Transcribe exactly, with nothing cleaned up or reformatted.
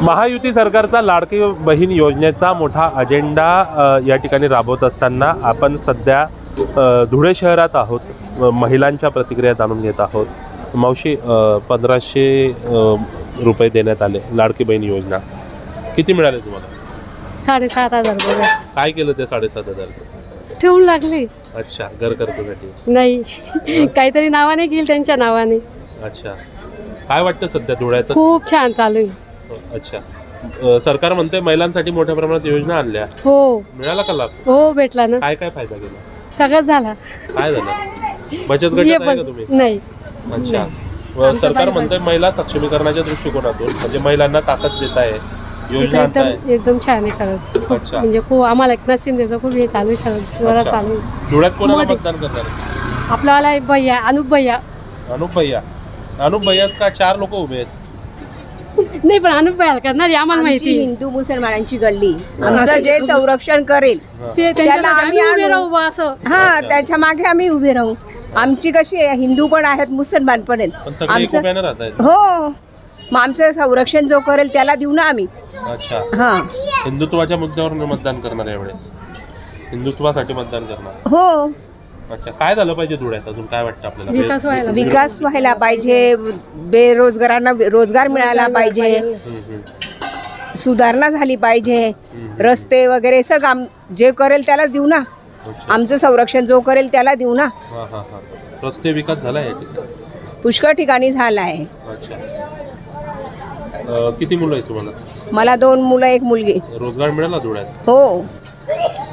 महायुती सरकारचा लाडकी बहीण योजनेचा मोठा अजेंडा अ, या ठिकाणी राबवत असताना आपण सध्या अ, धुळे शहरात आहोत. अ, महिलांच्या प्रतिक्रिया जाणून घेत आहोत. मावशी, अ, पंधराशे अ, रुपये देण्यात आले लाडकी बहीण योजना, किती मिळाले तुम्हाला? साडेसात हजार रुपये काय केलं ते साडेसात हजारचं? ठेवून लागले. अच्छा, घर खर्चासाठी. नाही काहीतरी नावाने घेईल त्यांच्या नावाने. अच्छा, काय वाटतं सध्या धुळ्याचं? खूप छान चालू आहे. अच्छा, अ, सरकार म्हणते महिलांसाठी मोठ्या प्रमाणात योजना आणल्या, हो मिळाला का लाभ? हो भेटला ना, काय काय फायदा केला? सगळं झाला. काय झालं? बचत हे गटात आहे पण का तुम्ही? नाही. अच्छा, व सरकार म्हणते महिला सक्षमीकरणाच्या दृष्टिकोनातून म्हणजे महिलांना ताकद देत आहे, योजना आणताय. एकदम एकदम छान आहे खरंच. खूप अच्छा. म्हणजे खूप आम्हाला एकनाथ शिंदेचं खूप हे चालू आहे खरंच, जोरात अच्छा. चालू आहे. धुळ्यात कोणाला मोदी. मतदान करणार? आपल्यावाला एक भैया अनुप भैया. अनुप भैया. अनुप भैयाच का चार लोक उभे आहेत? नाही पण अनुप भैया करणार आहे, आम्हाला आमची माहिती आहे. हिंदू मुसलमानांची गल्ली आमचं जे संरक्षण करेल ते त्याला त्यांच्यासाठी आम्ही आम्ही उभे आणू. राहू बा असं. हा त्याच्या मागे आम्ही उभे राहू. आमची कशी आहे, हिंदू पण आहेत मुसलमान पण पण आहेत सगळे एक आमचं उभ्यानं राहत आहेत. हो, मग आमचं संरक्षण जो करेल त्याला देऊ ना आम्ही. अच्छा, हा हिंदुत्वाच्या मुद्द्यावर मतदान करणार यावेळेस? हिंदुत्वासाठी मतदान करणार? हो, अच्छा, काय झालं पाहिजे धुळ्यात? अजून काय वाटतं आपल्याला? विकास व्हायला विकास व्हायला पाहिजे, बेरोजगारांना रोजगार मिळाला पाहिजे, हम्म, हम्म. सुधारणा झाली पाहिजे, रस्ते वगैरे सगळं आम जे करेल त्यालाच देऊ ना. अच्छा. आमचं संरक्षण जो करेल त्याला देऊ ना. हा हा हा रस्ते विकास झाला या ठिकाणी? पुष्कळ ठिकाणी झाला आहे. अच्छा, अ, किती मुलं आहेत तुम्हाला? मला दोन मुलं एक मुलगी. रोजगार मिळाला धुळ्यात? हो,